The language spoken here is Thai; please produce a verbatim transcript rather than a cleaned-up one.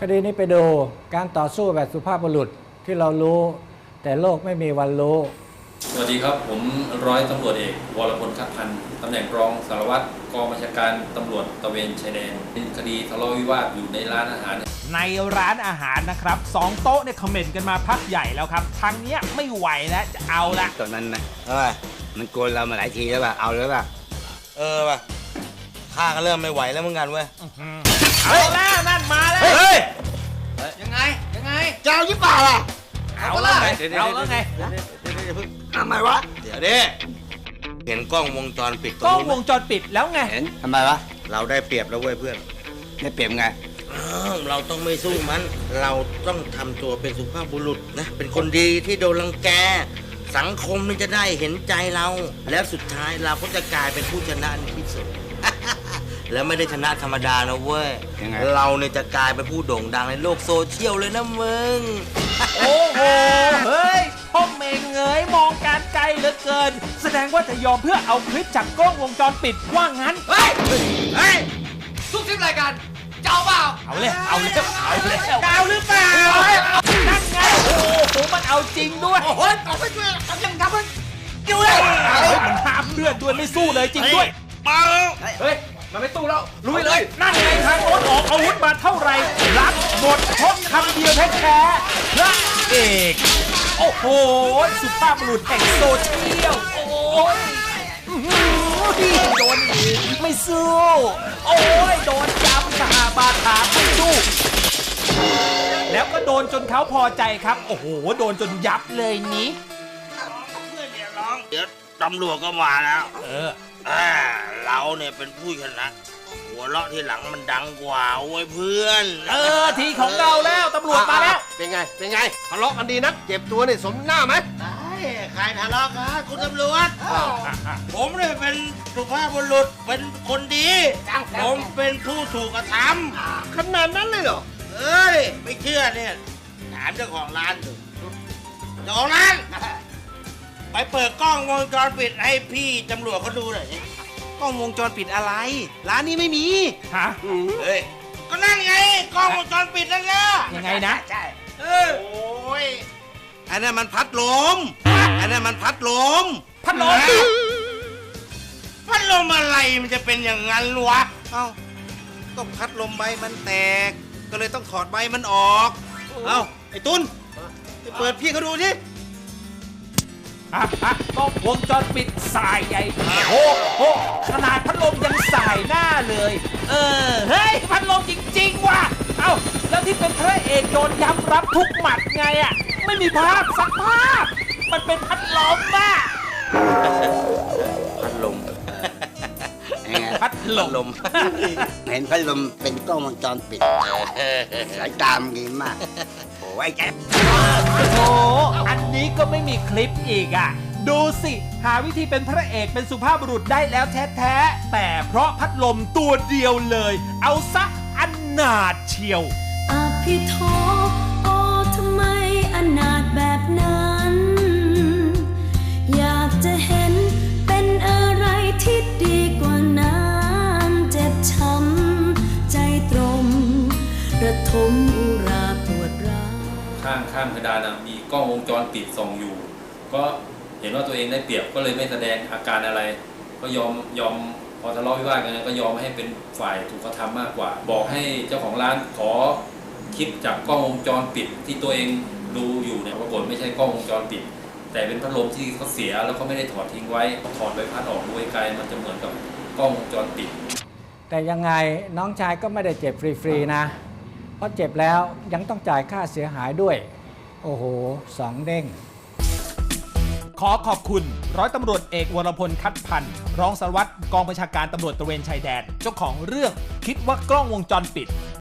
ดีนี้ไปดูการต่อสู้แบบสุภาพบุรุษที่เรารู้แต่โลกไม่มีวันรู้สวัสดีครับผมร้อยตำรวจเอกวรพลคัดพันธ์ตำแหน่งรองสารวัตรกองบัญชาการตำรวจตระเวนชายแดนเป็นคดีทะเลาะวิวาทอยู่ในร้านอาหารในร้านอาหารนะครับสองโต๊ะเนี่ยคอมเมนต์กันมาพักใหญ่แล้วครับทางเนี้ยไม่ไหวแล้วจะเอาละตอนนั้นนะเออมันโกนเรามาหลายทีแล้วป่ะเอาเลยป่ะเออป่ะข้าก็เริ่มไม่ไหวแล้วเหมือนกันเว้ยเอาแล้วนั่นมาแล้วเฮ้ยยังไงยังไงจะเอายี่ป่าล่ะเอาแล้วไงเอาแล้วไงทำไมวะเดี๋ยวดิเห็นกล้องวงจรปิดกล้องวงจรปิดแล้วไงเห็นทำไมวะเราได้เปรียบแล้วเว้ยเพื่อนได้เปรียบไงเราต้องไม่สู้มันเราต้องทำตัวเป็นสุภาพบุรุษนะเป็นคนดีที่โดนรังแกสังคมมันจะได้เห็นใจเราแล้วสุดท้ายเราก็จะกลายเป็นผู้ชนะในที่สุด แล้วไม่ได้ชนะธรรมดานะเว้ยเราเนี่ยจะกลายเป็นผู้โด่งดังในโลกโซเชียลเลยนะมึงโอ้โหเฮ้ยพ่อเมงเงยมองการไกลเหลือเกินแสดงว่าจะยอมเพื่อเอาคลิปจากกล้องวงจรปิดว่างั้นเฮ้ยเฮ้ยทุกคลิปรายการเจ้าเปล่าเอาเลยเอาเลยเอาเลยเอาหรือเปล่านั่นไงโอ้โหมันเอาจริงด้วยโอ้ยเอาไปช่วยทำยังทำมันอยู่เลยมันห้ามเลือดด้วยไม่สู้เลยจริงด้วยมาเฮ้ยมันไม่ตู้แล้วลุยเลยนั่นไงทางโน้นออกอาวุธมาเท่าไหร่รับหมดเพราะคำเดียวแท้ๆพระเอกโอ้โหสุภาพบุรุษแห่งโซเชียลโอ้ยโดนอีกไม่สู้โอ้ยโดนจับสหบาทาไม่สู้แล้วก็โดนจนเขาพอใจครับโอ้โหโดนจนยับเลยนี้เพื่อนอย่าร้องเดี๋ยวตำรวจก็มาแล้วเอออ่าเราเนี่ยเป็นผู้ชนะหัวเราะที่หลังมันดังกว่าโว้ยเพื่อนเออทีของเราแล้วตำรวจมาแล้วเป็นไงเป็นไงทะเลาะกันดีนักเจ็บตัวนี่สมหน้าไหมใครทะเลาะกันคุณตำรวจผมเนี่ยเป็นสุภาพบุรุษเป็นคนดีผมเป็นผู้ถูกกระทำขนาดนั้นเลยเหรอเอ้ยไม่เชื่อเนี่ยถามเจ้าของร้านดูเจ้าของร้านไปเปิดกล้องวงจรปิดให้พี่ตำรวจเขาดูหน่อยกล้องวงจรปิดอะไรร้านนี้ไม่มีฮะเฮ้ยก็นั่นไงกล้องวงจรปิดนั่นแหละยังไงนะใช่เออโอ้ยอันนั้นมันพัดลมอันนั้นมันพัดลมพัดลมพัดลมอะไรมันจะเป็นอย่างนั้นวะเอ้าก็พัดลมใบมันแตกก็เลยต้องถอดใบมันออกเอ้าไอ้ตุนไปเปิดพี่เขาดูสิอ่ะอ่ะกล้องวงจรปิดสายใหญ่โอ้โหขนาดพัดลมยังสายหน้าเลยเออเฮ้ยพัดลมจริงๆว่ะเอ้าแล้วที่เป็นพระเอกโดนย้ำรับทุกหมัดไงอ่ะไม่มีภาพสักภาพมันเป็นพัดลมอ่ะพัดลมพัดลมเห็นพัดลมเป็นกล้องวงจรปิดสายตามดีมากโอ้ยแกโอ้อันนี้ก็ไม่มีคลิปอีกอ่ะดูสิหาวิธีเป็นพระเอกเป็นสุภาพบุรุษได้แล้วแท้ๆแต่เพราะพัดลมตัวเดียวเลยเอาซะอนาถเชียวอภิโทโอ้ทำไมอนาถแบบนั้นอยากจะเห็นเป็นอะไรที่ดีกว่านั้นเจ็บช้ำใจตรมระทมอุราปวดร้าวข้างข้างเพดานมีกล้องวงจรปิดส่องอยู่ก็เห็นว่าตัวเองได้เปรียบก็เลยไม่แสดงอาการอะไรก็ยอมยอมพอทะเลาะวิวาทกันก็ยอมให้เป็นฝ่ายถูกกระทำมากกว่าบอกให้เจ้าของร้านขอคลิปจากกล้องวงจรปิดที่ตัวเองดูอยู่เนี่ยปรากฏไม่ใช่กล้องวงจรปิดแต่เป็นพัดลมที่เขาเสียแล้วเขาไม่ได้ถอดทิ้งไว้ถอดใบพัดออกด้วยไกลมันจะเหมือนกับกล้องวงจรปิดแต่ยังไงน้องชายก็ไม่ได้เจ็บฟรีๆนะเพราะเจ็บแล้วยังต้องจ่ายค่าเสียหายด้วยโอ้โหสองเด้งขอขอบคุณร้อยตำรวจเอกวรพลคัดพันธ์รองสารวัตรกองบัญชาการตำรวจตระเวนชายแดนเจ้าของเรื่องคิดว่ากล้องวงจรปิด